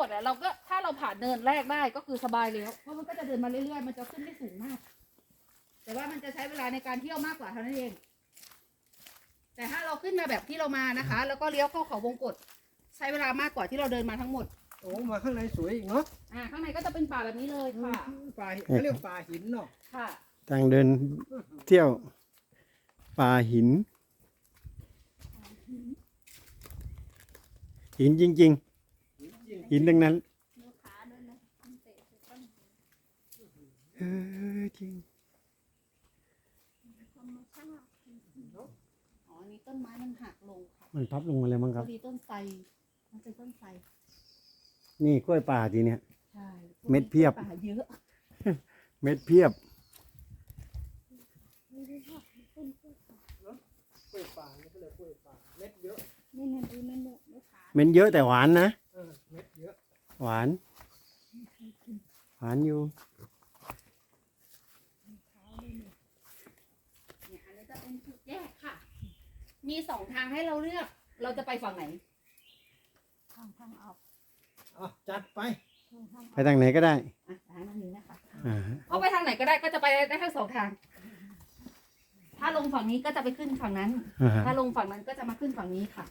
ดอะเราก็ถ้าเราผ่านเนินแรกได้ก็คือสบายเลยเพราะมันก็จะเดินมาเรื่อยๆมันจะขึ้นได้สูงมากแต่ว่ามันจะใช้เวลาในการเที่ยวมากกว่าเท่านั้นเองแต่ถ้าเราขึ้นมาแบบที่เรามานะคะแล้วก็เลี้ยวเข้าเขาวงกตใช้เวลามากกว่าที่เราเดินมาทั้งหมดโอ้มาข้างในสวยอีกเนาะข้างในก็จะเป็นป่าแบบนี้เลยค่ะป่าเขาเรียกป่าหินเนาะค่ะทางเดินเที่ยวป่าหินหินจริงๆหินทั้งนั้นจริงอ๋อนี่ต้นไม้มันหักลงค่ะมันพับลงมาเลยมั้งครับพอดีต้นไทรมันเป็นต้นไทรนี่กล้วยป่าทีเนี้ยใช่เม็ดเพียบป่าเยอะเม็ดเพียบกล้วยป่านี่ก็เลยกล้วยป่าเม็ดเยอะนี่เนี่ยดูนั่นเนี่ยไม่ขาดเม็ดเยอะแต่หวานนะเม็ดเยอะหวานอยู่เนี่ยอันนี้จะเป็นจุดแยกค่ะ มีสองทางให้เราเลือก เราจะไปฝั่งไหนทางออกจัดไปไปทางไหนก็ได้ทางนี้นะคะอ่าเอาไปทางไหนก็ได้ก็จะไปได้ทั้งสองทาง ถ้าลงฝั่งนี้ก็จะไปขึ้นฝั่งนั้น ถ้าลงฝั่งนั้นก็จะมาขึ้นฝั่งนี้ค่ะ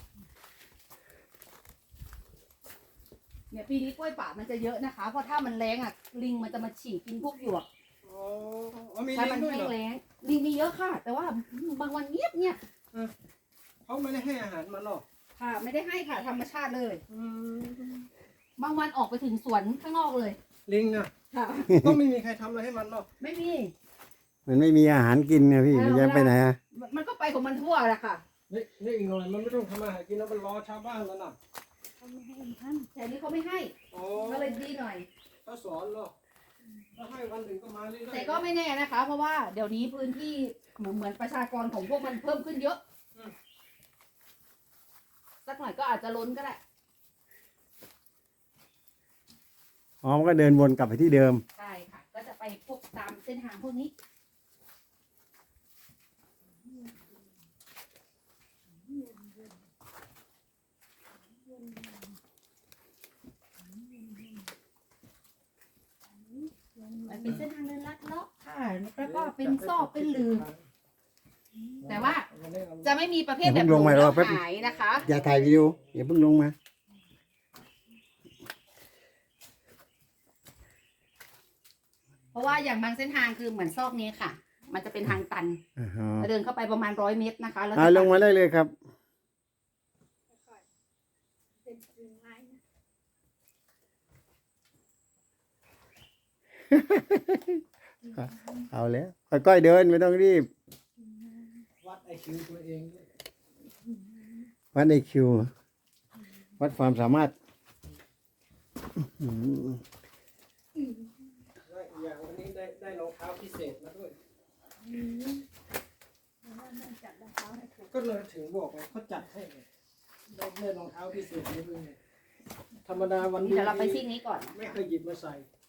เนี่ยปีนี้กล้วยป่ามันจะเยอะนะคะ เพราะถ้ามันแรงอ่ะลิงมันจะมาฉีกกินพวกหยวกมีถ้าลิมังด้วยแห้เหรง อแล้งลิงมีเยอะค่ะ แต่ว่าบางวันเงียบเนี่ยเขาไม่ได้ให้อาหารมันหรอกค่ะ ไม่ได้ให้ค่ะธรรมชาติเลย บางวันออกไปถึงสวนข้างนอกเลยลิงอ่ะค่ะต้องไม่มีใครทำอะไรให้มันหรอกไม่มีมันไม่มีอาหารกินนะพี่มันจะไปไหนอะมันก็ไปของมันทั่วแหละค่ะนี่อีกหน่อยมันไม่ต้องทำอาหารกินแล้วมันรอชาวบ้านแล้วน่ะเขาไม่ให้ท่านแต่นี้เขาไม่ให้ ก็เลยดีหน่อยเขาสอนเนาะถ้าให้วันหนึ่งก็มาเรื่อยๆแต่ก็ไม่แน่นะคะ เพราะว่าเดี๋ยวนี้พื้นที่เหมือนประชากรของพวกมันเพิ่มขึ้นเยอะ สักหน่อยก็อาจจะล้นก็ได้อ๋อมันก็เดินวนกลับไปที่เดิมใช่ค่ะ ก็จะไปพวกตามเส้นทางพวกนี้ มันเป็นเส้นทางเดินลัดเลาะค่ะ แล้วก็เป็นซอกเป็นหลืม แต่ว่าจะไม่มีประเภทแบบเดี๋ยวผมลงมาหรอแล้วแป๊บหายนะคะอย่าถ่ายวิดีโออย่าเพิ่งลงมาเพราะว่าอย่างบางเส้นทางคือเหมือนซอกนี้ค่ะ มันจะเป็นทางตันอ่าฮะเดินเข้าไปประมาณ100 เมตรนะคะ แล้วลงมาได้เลยครับ เอาแล้วค่อยๆเดินไม่ต้องรีบวัดไอคิวตัวเองด้วยวัดไอคิววัดความสามารถและอีกอย่างวันนี้ได้รองเท้าพิเศษมาด้วยก็เลยถึงบอกไงเขาจัดให้ไงได้รองเท้าพิเศษมาด้วยไงธรรมดาวันนี้เดี๋ยวเราไปซิ่งนี้ก่อนไม่เคยหยิบมาใส่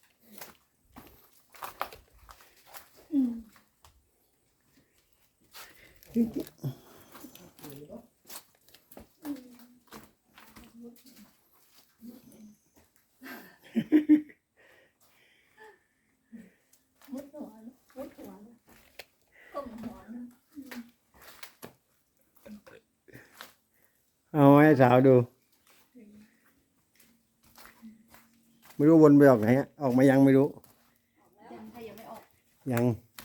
เอาให้สาวดูไม่รู้วนไปออกไหนออกมายังไม่รู้ยังไม่ออกยัง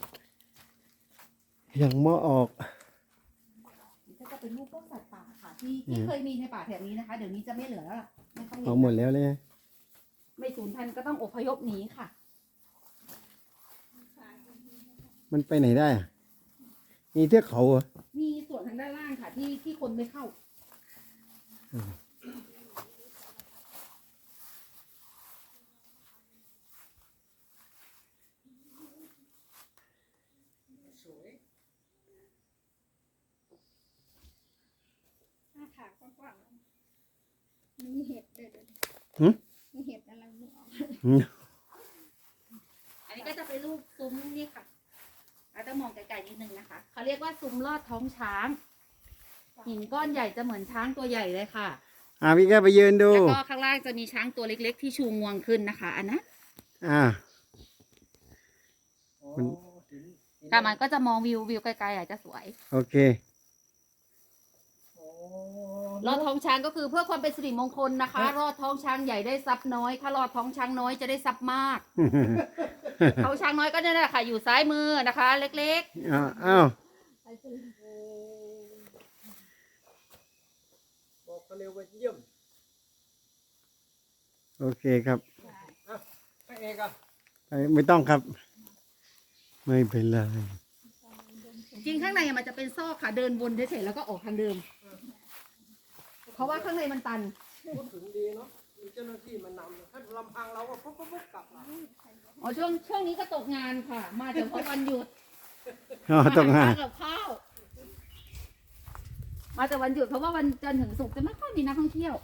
ไม่ออกก็จะเป็นรูปพวกสัตว์ป่าค่ะที่เคยมีในป่าแถบนี้นะคะ เดี๋ยวนี้จะไม่เหลือแล้วล่ะไม่ค่อยเห็เอานหมดแล้วเลยไม่สูญพันธุ์ก็ต้องอพยพหนีค่ะมันไปไหนได้อะมีเทือกเขาเหรอมีส่วนทางด้านล่างค่ะที่คนไม่เข้าสวยหน้าผากกว้างๆมีเห็ดด้วยเดี๋ยวมีเห็ดอะไรไม่ออกอันนี้ก็จะเป็นรูปซุ้มนี่ค่ะอาจจะมองไกลๆนิดนึงนะคะเขาเรียกว่าซุ้มลอดท้องช้างหินก้อนใหญ่จะเหมือนช้างตัวใหญ่เลยค่ะพี่แก้วไปยืนดูแล้วก็ข้างล่างจะมีช้างตัวเล็กๆ ที่ชูงวงขึ้นนะคะ อันนั้นอ่าอ๋อถึงแต่มันก็จะมองวิวไกลๆอาจจะสวยโอเคอ๋อรอดท้องช้างก็คือเพื่อความเป็นสิริมงคลนะคะ รอดท้องช้างใหญ่ได้ทรัพย์น้อย ถ้ารอดท้องช้างน้อยจะได้ทรัพย์มาก ท้องช้างน้อยก็เนี่ยแหละค่ะอยู่ซ้ายมือนะคะ เล็กอ้าวบอกเขาเร็วว่าเยี่ยมโอเคครับอ่ะพระเอกอ่ะไม่ต้องครับ ไม่เป็นไรๆ จริงข้างในมันจะเป็นซอกค่ะเดินวนเฉยๆแล้วก็ออกทางเดิม เพราะว่าข้างในมันตันพูดถึงดีเนาะมีเจ้าหน้าที่มานำถ้าลำพังเราก็ปุ๊บกลับมาอ๋อช่วงนี้ก็ตกงานค่ะ มาเฉพาะวันหยุดต้องหามาหกับข้าว มาแต่วันหยุดเพราะว่าวันจันทร์ถึงศุกร์จะไม่ค่อยมีนักท่องเที่ยว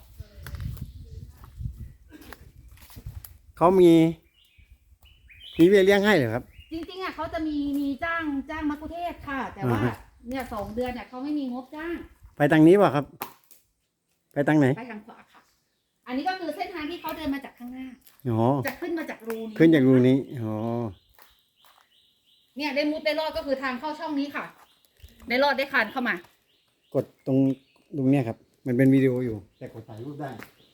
เขามีเบี้ยเลี้ยงให้เหรอครับจริงๆอ่ะเขาจะมีจ้างมัคคุเทศก์ค่ะ แต่ว่าอ่าฮะเนี่ย2 เดือนเนี่ยเขาไม่มีงบจ้างไปทางนี้ป่ะครับ ไปทางไหนไปทางขวาค่ะ อันนี้ก็คือเส้นทางที่เขาเดินมาจากข้างหน้าอ๋อจะขึ้นมาจากรูนี้ขึ้นจากรูนี้ อ๋อเนี่ยได้มุดได้รอดก็คือทางเข้าช่องนี้ค่ะ ได้รอดได้คานเข้ามากดตรงเนี้ยครับ มันเป็นวิดีโออยู่ แต่กดถ่ายรูปได้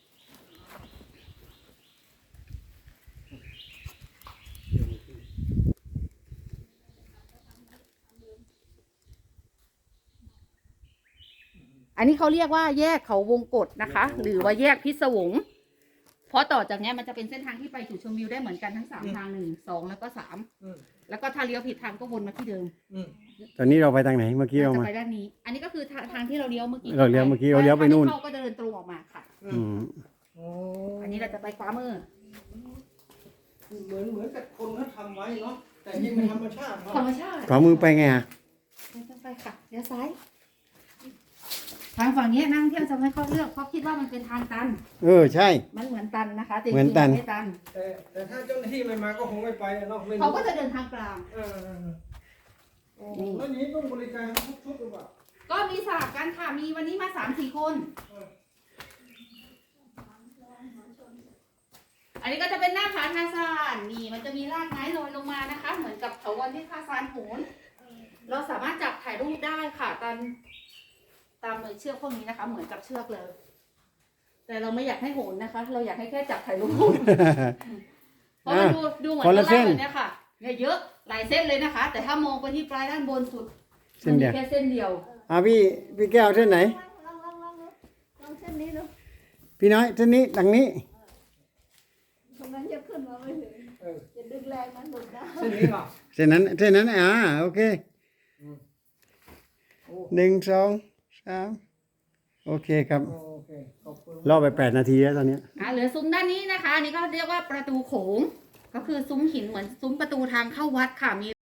อันนี้เขาเรียกว่าแยกเขาวงกฏนะคะ หรือว่าแยกพิศวง เพราะต่อจากเนี้ยมันจะเป็นเส้นทางที่ไปสู่ชมวิวได้เหมือนกันทั้ง3ทาง1 2แล้วก็3 อืมแล้วก็ถ้าเลี้ยวผิดทางก็วนมาที่เดิมอืมตอนนี้เราไปทางไหน เมื่อกี้เราจะมาไปด้านนี้ อันนี้ก็คือทางที่เราเลี้ยวเมื่อกี้เราเลี้ยวเมื่อกี้เราเลี้ยวไปนู่นเข้าก็เดินตรงออกมาค่ะอืมโอ้อันนี้เราจะไปขวามือเหมือนกับคนเขาทำไว้เนาะแต่จริงเป็นธรรมชาติเนาะธรรมชาติขวามือไปไงอ่ะไม่ต้องไปค่ะเลี้ยวซ้าย ทางฝั่งนี้นักท่องเที่ยวจะไม่ค่อยเลือกเพราะคิดว่ามันเป็นทางตันใช่มันเหมือนตันนะคะแต่จเหมืริอนงๆตันไม่ตันแต่ถ้าเจ้าหน้าที่ไม่มาก็คงไม่ไปเนาะไม่รู้เขาก็จะเดินทางกลางเออโอ้แล้วอย่างนี้ต้องบริการทุกชุดหรือเปล่าก็มีสลับกันค่ะ มีวันนี้มา3-4 คน อันนี้ก็จะเป็นหน้าผาทาซานนี่มันจะมีรากไม้ลอยลงมานะคะ เหมือนกับเถาวัลย์ที่ทาซานโหนเราสามารถจับถ่ายรูปได้ค่ะตามเชือกพวกนี้นะคะ เหมือนกับเชือกเลย แต่เราไม่อยากให้โหนนะคะ เราอยากให้แค่จับถ่ายรูป เพราะมันดูเหมือนคนละเส้นแบบเนี้ยค่ะเนี่ยเยอะหลายเส้นเลยนะคะ แต่ถ้ามองไปที่ปลายด้านบนสุดเส้นเดียวมัมีแค่เส้นเดียวพี่แก้วเส้นไหนลองเส้นนี้ดูพี่น้อยเส้นนี้ดังนี้ตรงนั้นจะขึ้นมาไม่ถึงเออจะดึงแรงมันหลุดได้เส้นนี้เหรอเส้นนั้นโอเคโอ้ 1 2 3 โอเคครับโอเคขอบคุณรอไป8 นาทีแล้วตอนเนี้ยเหลือซุ้มด้านนี้นะคะอันนี้ก็เรียกว่าประตูโขง ก็คือซุ้มหินเหมือนซุ้มประตูทางเข้าวัดค่ะมี